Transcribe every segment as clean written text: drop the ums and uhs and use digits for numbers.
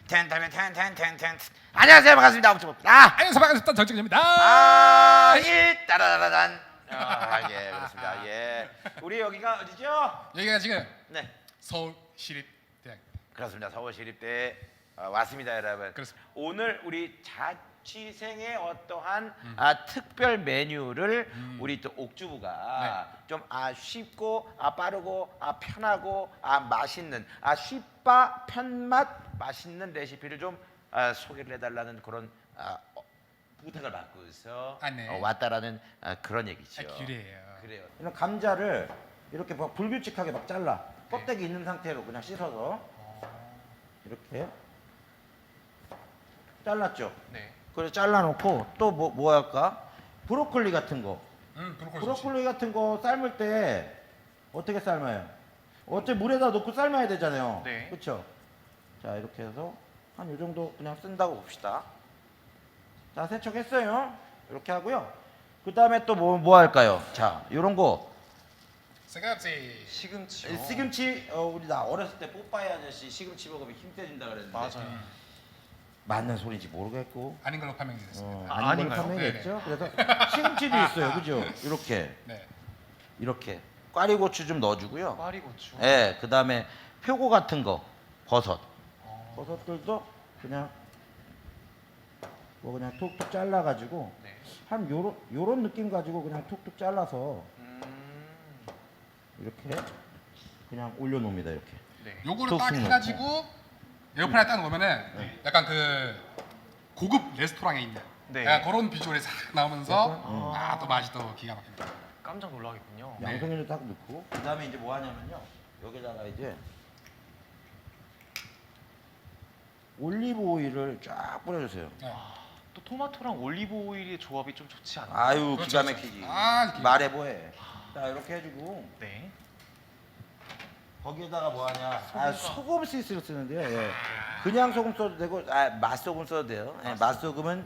텐텐텐텐텐텐. 안녕하세요, 반갑습니다. 옥주입니다. 안녕하세요, 반갑습니다. 정직입니다. 따라라란. 예, 그렇습니다. 예, 우리 여기가 어디죠? 여기가 지금 네, 서울시립대학. 그렇습니다. 서울시립대 왔습니다, 여러분. 그렇습니다. 오늘 우리 자취생의 어떠한 특별 메뉴를 우리 또 옥주부가 좀 쉽고 쉽고 편하고 맛있는 쉽바 편맛 맛있는 레시피를 좀 소개를 해달라는 그런 부탁을 받고서 네. 왔다라는 그런 얘기죠. 그래요. 이런 감자를 이렇게 막 불규칙하게 막 잘라 껍데기 있는 상태로 그냥 씻어서 이렇게 잘랐죠. 네. 그래서 잘라놓고 또 뭐 할까? 브로콜리 같은 거. 브로콜리 같은 거 삶을 때 어떻게 삶아요? 어째 물에다 넣고 삶아야 되잖아요. 네. 그렇죠? 자, 이렇게 해서 한 이 정도 그냥 쓴다고 봅시다. 자, 세척했어요. 이렇게 하고요. 그 다음에 또 뭐 할까요? 자, 요런 거. 시금치. 시금치요. 시금치. 우리 나 어렸을 때 뽀빠이 아저씨 시금치 먹으면 힘 빼진다 그랬는데. 맞아요. 맞는 소리인지 모르겠고. 아닌 걸로 판명이 됐습니다. 아닌 걸 아닌가요? 판명했죠. 그래서 시금치도 있어요. 그죠? 이렇게. 네. 이렇게. 꽈리고추 좀 넣어주고요. 꽈리고추. 예, 그 다음에 표고 같은 거. 버섯. 버섯들도 그냥 그냥 톡톡 잘라가지고 네. 한 요런 느낌 가지고 그냥 톡톡 잘라서 이렇게 그냥 올려놓습니다. 이렇게. 네. 요거를 딱 톡톡 해가지고 에어프라이어 딱 놓으면은 약간 그 고급 레스토랑에 있는 네. 약간 그런 비주얼이 싹 나오면서 또 맛이 또 기가 막힙니다. 깜짝 놀라겠군요. 네. 양송이를 딱 넣고 그 다음에 이제 뭐 하냐면요. 여기다가 이제 올리브 오일을 쫙 뿌려주세요. 네. 또 토마토랑 올리브 오일의 조합이 좀 좋지 않나요? 아유, 그렇죠, 기가 그렇죠. 막히지. 기가 말해 뭐해. 자, 이렇게 해주고 네. 거기에다가 뭐 하냐? 소금 시스를 쓰는데요. 예. 그냥 소금 써도 되고, 맛소금 써도 돼요. 예, 맛소금은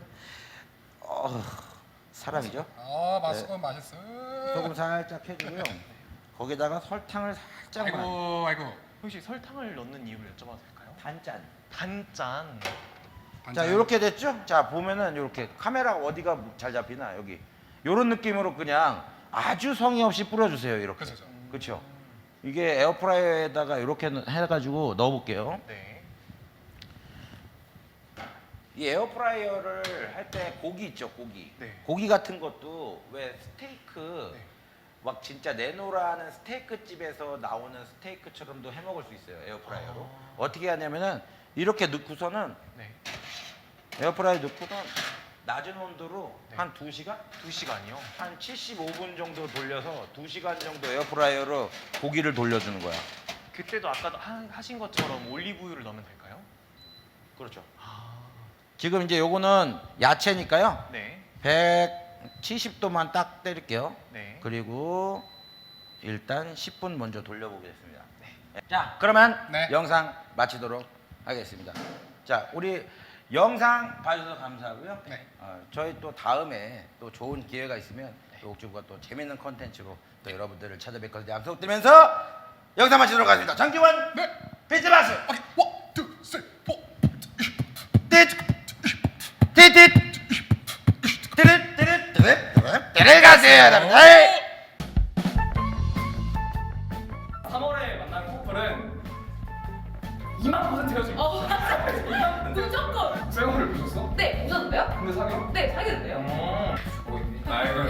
사람이죠. 맛있고 맛있어. 소금 살짝 해주고요. 거기다가 설탕을 살짝만. 아이고. 혹시 설탕을 넣는 이유를 여쭤봐도 될까요? 단짠. 단짠. 자, 이렇게 됐죠? 자, 보면은 이렇게 카메라 어디가 잘 잡히나 여기. 요런 느낌으로 그냥 아주 성의 없이 뿌려주세요. 이렇게. 그렇죠. 그렇죠. 이게 에어프라이어에다가 이렇게 해가지고 넣어볼게요. 네. 이 에어프라이어를 할 때 고기 있죠, 고기. 네. 고기 같은 것도 왜 스테이크 네. 막 진짜 내노라는 스테이크 집에서 나오는 스테이크처럼도 해 먹을 수 있어요, 에어프라이어로. 어떻게 하냐면은 이렇게 넣고서는 네. 에어프라이어 넣고는 낮은 온도로 네. 한 2시간? 2시간이요. 한 75분 정도 돌려서 2시간 정도 에어프라이어로 고기를 돌려주는 거야. 그때도 아까 하신 것처럼 올리브 오일을 넣으면 될까요? 그렇죠. 아. 지금 이제 요거는 야채니까요. 네. 170도만 딱 때릴게요. 네. 그리고 일단 10분 먼저 돌려보겠습니다. 자, 그러면 네. 영상 마치도록 하겠습니다. 자, 우리 영상 봐주셔서 감사하고요. 네. 저희 또 다음에 또 좋은 기회가 있으면 또 옥주부가 또 재밌는 컨텐츠로 또 여러분들을 찾아뵐 것을 약속드리면서 영상 마치도록 하겠습니다. 장기원 네. 비트박스 오케이. 1, 2, 3, 4. 들어가세요, 여러분들. 3월에 만난 커플은 2만%가 지금 무조건. 쌩얼을 보셨어? 네, 오셨는데요? 근데 사귀어? 네, 사귀는데요. 아이고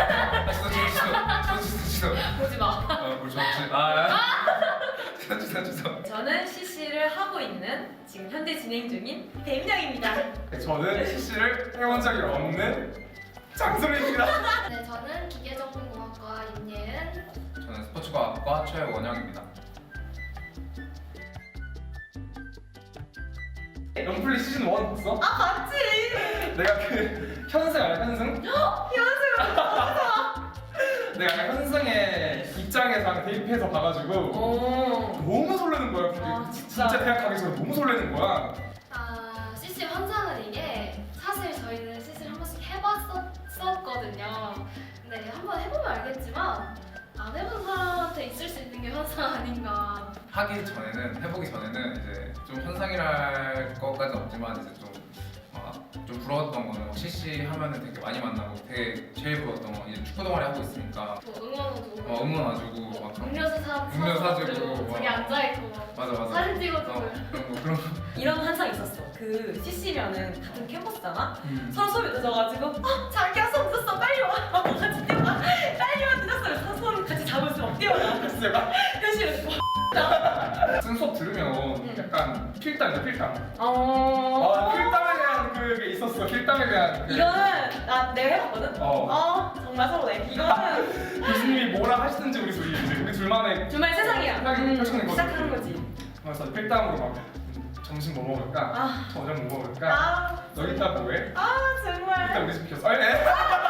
진짜 보지 마. 우리 좋지. 주세요. 저는 CC를 하고 있는 지금 현재 진행 중인 배민영입니다. 저는 CC를 해본 적이 없는 장소리입니다. 네, 저는 기계정보공학과 임예은. 저는 스포츠과학과 최원영입니다. 럼플리 시즌 1 봤어? 아, 맞지? 내가 그 현승 알아? 현승? 내가 현승의 입장에서 대입해서 봐가지고 오. 너무 설레는 거야. 그게. 아, 진짜? 대학 가기 전에 너무 설레는 거야. CC 환상은 이게 사실 저희는 CC를 한 번씩 해봤었거든요. 근데 한번 해보면 알겠지만 안 해본 사람한테 있을 수 있는 게 환상 아닌가. 하기 전에는 해보기 전에는 이제 좀 현상이랄 것 그것까지 없지만 이제 좀 부러웠던 거는 CC 하면은 되게 많이 만나고 되게 제일 부러웠던 건 이제 축구 동아리 하고 있으니까 응원도 응원 와주고 막 그런 음료수 사주고 저기 막 앉아있고 맞아 사진 찍어주고 그런 거 이런 환상 있었어. 그 CC면은 같은 캠퍼스잖아. 서로 수업이 늦어가지고 자기야 수업 늦었어 빨리 와. 같이 뛰어가. 빨리 와 늦었어. 서로 수업 같이 잡을 수 없대요. 현실에서 쓴 수업 들으면 약간 필담이야 필담. 어. 필담에 대한 그게 있었어. 필담에 대한 그 이거는 내가 해봤거든. 정말 서로네. 이거는 교수님이 뭐라 하시는지 우리 둘만의 정말 세상이야. 생각이 펼쳐낸 거지. 시작하는 거지. 그래서 필담으로 막 점심 뭐 먹을까? 저녁 뭐 먹을까? 아 너 이따 뭐해? 이따 정말. 우리 집 시켰어. 네.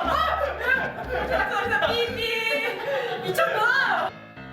진짜 삐삐 미쳤구나.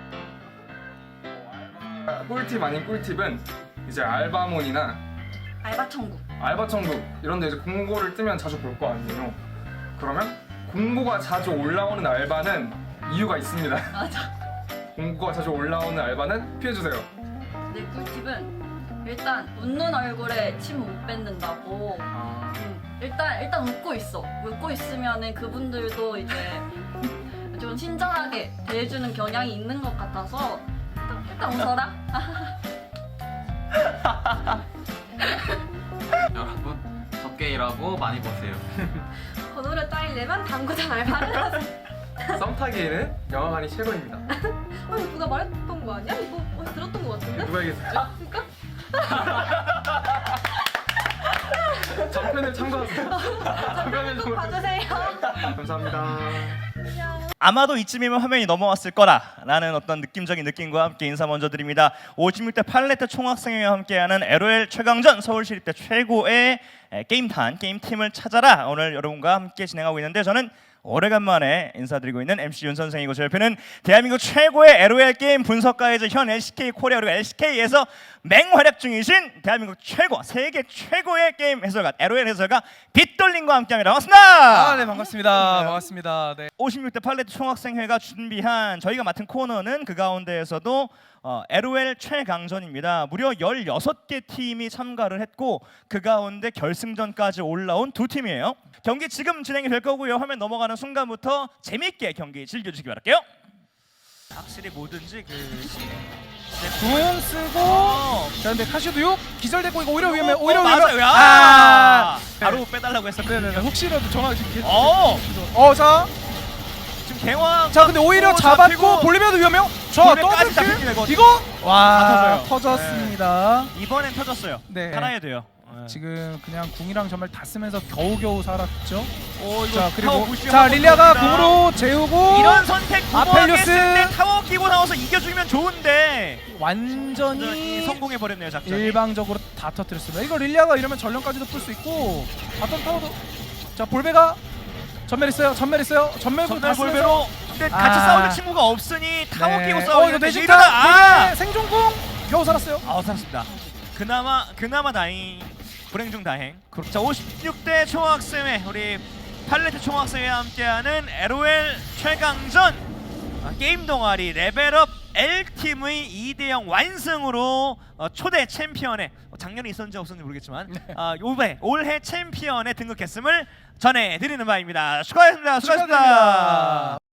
꿀팁 아닌 꿀팁은 이제 알바몬이나 알바 천국 알바천국 이런 데 이제 공고를 뜨면 자주 볼 거 아니에요. 그러면 공고가 자주 올라오는 알바는 이유가 있습니다. 맞아. 공고가 자주 올라오는 알바는 피해주세요. 내 꿀팁은 일단 웃는 얼굴에 침 못 뱉는다고. 일단 웃고 있어. 웃고 있으면은 그분들도 이제 좀 친절하게 대해주는 경향이 있는 것 같아서 일단 웃어라. 여러분 적게 일하고 많이 버세요. 번호를 따이려면 당구장 알바를 하세요. 썸 타기에는 영화관이 최고입니다. 이거 누가 말했던 거 아니야? 이거 어디서 들었던 거 같은데? 누가 얘기했었지? 그니까? 전편을 참고하세요. 전편을 꼭 봐주세요. 감사합니다. 아마도 이쯤이면 화면이 넘어왔을 거라라는 어떤 느낌적인 느낌과 함께 인사 먼저 드립니다. 56대 팔레트 총학생회와 함께하는 LOL 최강전 서울시립대 최고의 게임단 게임팀을 찾아라 오늘 여러분과 함께 진행하고 있는데 저는 오래간만에 인사드리고 있는 MC 윤 선생이고 제 옆에는 대한민국 최고의 LOL 게임 분석가이자 현 LCK 코리아 그리고 LCK에서 맹활약 중이신 대한민국 최고 세계 최고의 게임 해설가 LOL 해설가 빗돌림과 함께합니다. 반갑습니다. 네 반갑습니다. 반갑습니다. 네. 56대 팔레트 총학생회가 준비한 저희가 맡은 코너는 그 가운데에서도 LOL 최강전입니다. 무려 16개 팀이 참가를 했고 그 가운데 결승전까지 올라온 두 팀이에요. 경기 지금 진행이 될 거고요. 화면 넘어가는 순간부터 재밌게 경기 즐겨주시기 바랄게요. 확실히 뭐든지 궁 쓰고 자 근데 카시오도 6 기절됐고 이거 오히려 위험해. 오히려 맞아요. 위험해. 바로 빼달라고 했었거든요. 네네네. 혹시라도 정확히 자 지금 갱왕 자 근데 오히려 잡았고 볼리비아도 위험해요. 자 볼리비아까지 더블킬 잡히긴 되거든요. 이거 다 터져요. 터졌습니다. 이번엔 터졌어요. 네. 살아야 돼요. 지금 그냥 궁이랑 전멸 다 쓰면서 겨우겨우 살았죠. 이거 자 그리고 타워 부시 자 한번 릴리아가 들어옵니다. 궁으로 재우고 이런 선택 아펠리오스. 구멍했을 때 타워 끼고 나와서 이겨주면 좋은데 완전히 성공해 버렸네요 작전. 일방적으로 다 터뜨렸습니다. 이거 릴리아가 이러면 전령까지도 풀 수 있고 바텀 타워도 자 볼베가 전멸했어요. 전멸구 다 쓰면서 볼베로 근데 같이 싸우는 친구가 없으니 타워 네. 끼고 이거 싸우는데 내진타 볼베 생존궁 겨우 살았어요. 살았습니다. 그나마 다행. 불행 중 다행. 자 56대 총학생회 우리 팔레트 총학생회와 함께하는 LOL 최강전 게임 동아리 레벨업 L팀의 2대0 완승으로 초대 챔피언에 작년에 있었는지 없었는지 모르겠지만 올해 챔피언에 등극했음을 전해드리는 바입니다. 수고하셨습니다.